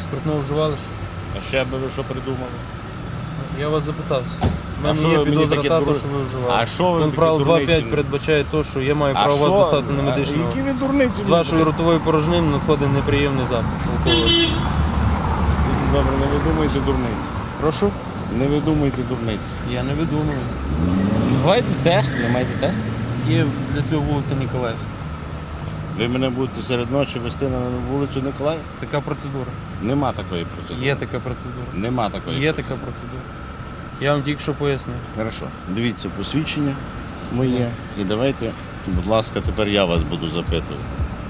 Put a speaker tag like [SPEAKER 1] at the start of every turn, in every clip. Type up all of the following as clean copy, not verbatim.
[SPEAKER 1] спиртного вживали?
[SPEAKER 2] А ще би ви що придумали?
[SPEAKER 1] Я вас запитався. У
[SPEAKER 2] А
[SPEAKER 1] мене
[SPEAKER 2] що
[SPEAKER 1] є
[SPEAKER 2] ви мені
[SPEAKER 1] підозра
[SPEAKER 2] такі
[SPEAKER 1] також,
[SPEAKER 2] дур-
[SPEAKER 1] що ви вживали.
[SPEAKER 2] А що ви
[SPEAKER 1] Пункт правил
[SPEAKER 2] такі дурниці?
[SPEAKER 1] 2.5 передбачає те, що я маю
[SPEAKER 2] А
[SPEAKER 1] право вас
[SPEAKER 2] що?
[SPEAKER 1] достати на медичну.
[SPEAKER 2] Які ви дурниці?
[SPEAKER 1] З вашої ротової порожнини надходить неприємний запах алкоголю.
[SPEAKER 2] Добре, не видумуйте дурниці.
[SPEAKER 1] Прошу?
[SPEAKER 2] Не видумуйте дурниці.
[SPEAKER 1] Я не видумую.
[SPEAKER 2] Давайте тест, ви маєте тест?
[SPEAKER 1] Є для цього вулиця Ніколаївська.
[SPEAKER 2] Ви мене будете серед ночі вести на вулицю Николаїв?
[SPEAKER 1] Така процедура.
[SPEAKER 2] Нема такої процедури.
[SPEAKER 1] Є така процедура.
[SPEAKER 2] Нема такої
[SPEAKER 1] Є така процедура. Я вам тільки що пояснив.
[SPEAKER 2] Хорошо. Дивіться посвідчення моє. І давайте, будь ласка, тепер я вас буду запитувати.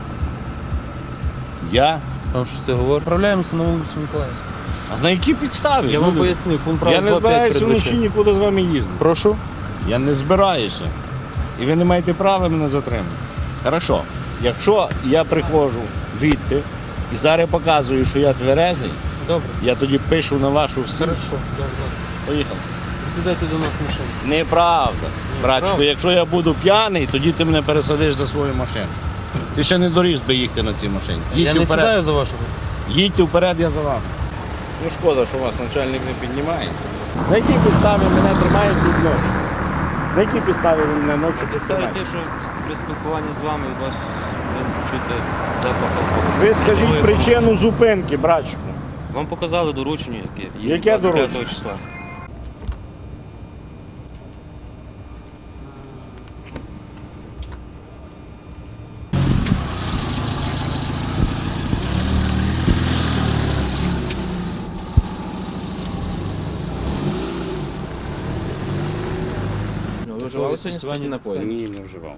[SPEAKER 2] Я?
[SPEAKER 1] Вам щось це говорить? Відправляємося на вулицю Ніколаївську.
[SPEAKER 2] А на якій підставі?
[SPEAKER 1] Я вам
[SPEAKER 2] Люди?
[SPEAKER 1] пояснив, пункт
[SPEAKER 2] Я
[SPEAKER 1] правил
[SPEAKER 2] не
[SPEAKER 1] 2.5
[SPEAKER 2] збираюся вночі
[SPEAKER 1] передбачає.
[SPEAKER 2] нікуди з вами їздити.
[SPEAKER 1] Прошу?
[SPEAKER 2] Я не збираюся. І ви не маєте права мене затримати. Хорошо. Якщо я приходжу відти і зараз показую, що я тверезий,
[SPEAKER 1] Добре.
[SPEAKER 2] я тоді пишу на вашу всю.
[SPEAKER 1] Хорошо. Да, будь ласка.
[SPEAKER 2] Поїхали.
[SPEAKER 1] Присідайте до нас в машину.
[SPEAKER 2] Неправда. Братчику,
[SPEAKER 1] правда.
[SPEAKER 2] якщо я буду п'яний, тоді ти мене пересадиш за свою машину. Ти ще не доріс би їхати на цій машині.
[SPEAKER 1] Я не сідаю за вашого.
[SPEAKER 2] Їдьте вперед, я за вами. Ну шкода, що вас начальник не піднімає. На якій підставі мене тримають тут ночі? На якій підставі ви мене ночі
[SPEAKER 3] Представте,
[SPEAKER 2] піднімаєте?
[SPEAKER 3] що при спілкуванні з вами у вас ви чуєте запах алкоголю.
[SPEAKER 2] Ви скажіть причину зупинки, братчику.
[SPEAKER 3] Вам показали доручення, яке є
[SPEAKER 2] Яке
[SPEAKER 3] 25
[SPEAKER 2] доручення?
[SPEAKER 3] числа.
[SPEAKER 4] Ви вживали сьогодні спиртні напої?
[SPEAKER 2] Ні, не вживав.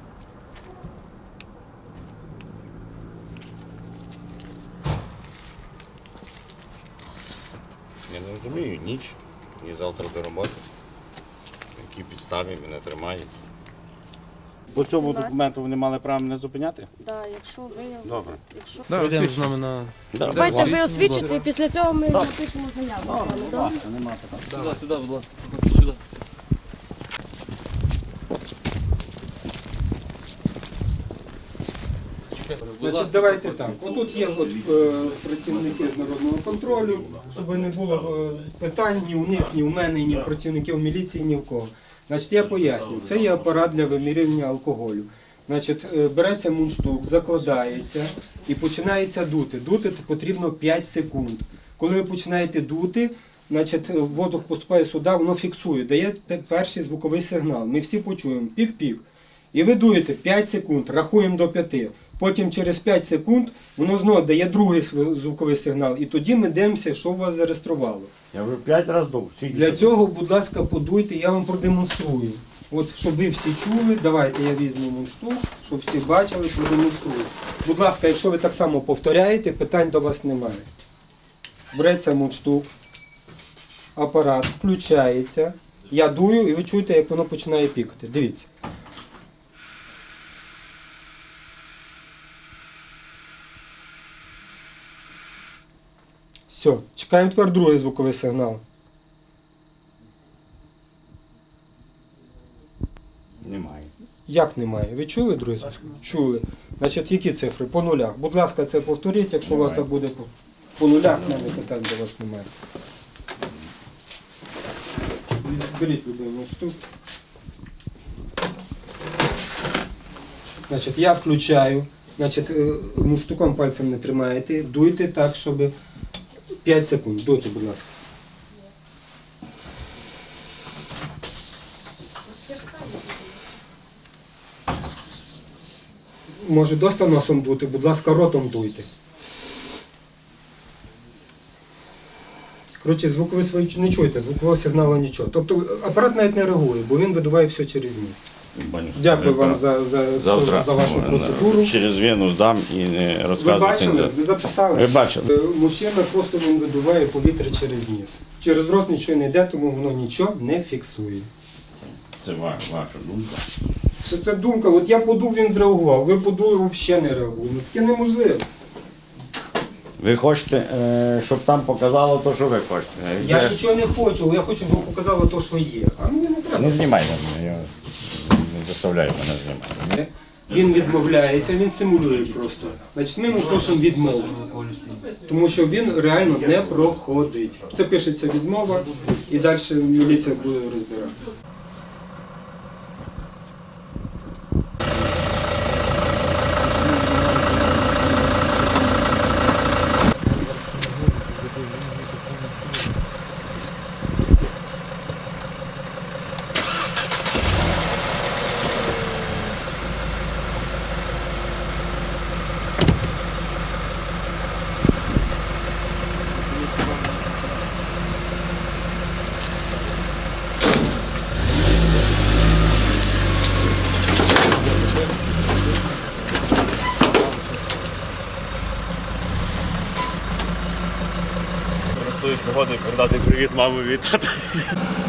[SPEAKER 2] Я не розумію, ніч, ні завтра до роботи. На якій підставі мене тримають. По цьому документу вони мали право мене зупиняти?
[SPEAKER 5] Да, якщо ви
[SPEAKER 2] Добре.
[SPEAKER 5] якщо
[SPEAKER 1] Пройдемо з нами на...
[SPEAKER 5] давайте ви освідчите, і після цього ми напишемо заяву. з вами, добре?
[SPEAKER 3] Сюди, сюди, будь ласка, сюди.
[SPEAKER 6] Значить, давайте так. Отут є працівники з народного контролю, щоб не було питань ні у них, ні у мене, ні у працівників міліції, ні в кого. Значить, я поясню. Це є апарат для вимірювання алкоголю. Значить, береться мундштук, закладається і починається дути. Дути потрібно 5 секунд. Коли ви починаєте дути, значить, воздух поступає сюди, воно фіксує, дає перший звуковий сигнал. Ми всі почуємо пік-пік. І ви дуєте 5 секунд, рахуємо до 5. Потім через 5 секунд воно знову дає другий звуковий сигнал. І тоді ми дивимося, що у вас зареєструвало.
[SPEAKER 2] Я вже 5 разів дув.
[SPEAKER 6] Для цього, будь ласка, подуйте, я вам продемонструю. От, щоб ви всі чули, давайте я візьму мундштук, щоб всі бачили, продемонструю. Будь ласка, якщо ви так само повторяєте, питань до вас немає. Береться мундштук, апарат включається, я дую і ви чуєте, як воно починає пікати. Дивіться. Все, чекаємо тепер другий звуковий сигнал.
[SPEAKER 2] Немає.
[SPEAKER 6] Як немає? Ви чули, друзі? Чули. Значить, які цифри? По нулях. Будь ласка, це повторіть, якщо у вас так буде по нулях, в мене питань до вас немає. Беріть любиму штуку. Значить, я включаю. Значить, штуком пальцем не тримаєте. Дуйте так, щоб 5 секунд. Дуйте, будь ласка. Може, доста носом дути, будь ласка, ротом дуйте. Коротше, звук ви свої не чуєте, звукового сигналу нічого. Тобто апарат навіть не реагує, бо він видуває все через ніс. Дякую вам за вашу процедуру.
[SPEAKER 2] Через вену здам і не
[SPEAKER 6] Ви
[SPEAKER 2] розказувати.
[SPEAKER 6] бачили? Ви записали?
[SPEAKER 2] Ви бачили.
[SPEAKER 6] Мужчина просто він видуває повітря через ніс. Через рот нічого не йде, тому воно нічого не фіксує.
[SPEAKER 2] Це ваша думка.
[SPEAKER 6] Це думка, от я подув, він зреагував, ви подули, взагалі не реагує. Ну таке неможливо.
[SPEAKER 2] Ви хочете, щоб там показало те, що ви хочете.
[SPEAKER 6] Я ж нічого не хочу, я хочу, щоб показало те, що є. А мені не треба.
[SPEAKER 2] Не знімай мене, не заставляй мене знімати.
[SPEAKER 6] Він відмовляється, він симулює просто. Значить, ми йому пишемо відмову, тому що він реально не проходить. Це пишеться відмова, і далі міліція буде розбиратися.
[SPEAKER 7] Користуюсь нагодою передати привіт мамі від тата.